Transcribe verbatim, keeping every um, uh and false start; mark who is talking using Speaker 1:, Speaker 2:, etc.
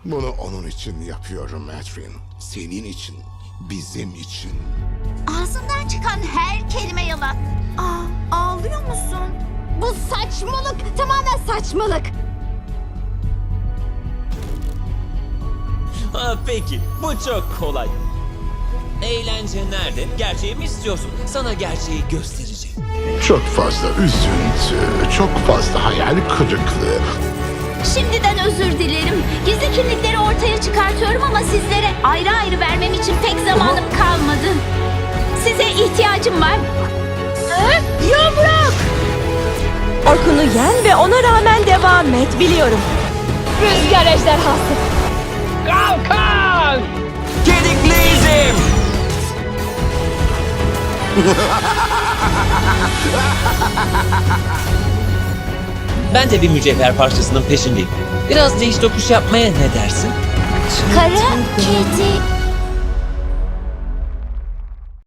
Speaker 1: Bunu onun için yapıyorum Adrian. Senin için, bizim için.
Speaker 2: Ağzından çıkan her kelime yalan.
Speaker 3: Aa, ağlıyor musun?
Speaker 2: Bu saçmalık, tamamen saçmalık.
Speaker 4: Ha, peki, bu çok kolay. Eğlence nerede? Gerçeği mi istiyorsun? Sana gerçeği göstereceğim.
Speaker 1: Çok fazla üzüntü, çok fazla hayal kırıklığı.
Speaker 2: Şimdiden özür dilerim. Gizli kimlikleri ortaya çıkartıyorum ama sizlere ayrı ayrı vermem için pek zamanım kalmadı. Size ihtiyacım var. Yumruk!
Speaker 3: Orkun'u yen ve ona rağmen devam et, biliyorum.
Speaker 2: Rüzgar ejderhası.
Speaker 4: Kedikliyizm! Ben de bir mücevher parçasının peşindeyim. Biraz değiş tokuş yapmaya ne dersin?
Speaker 2: Kara kedi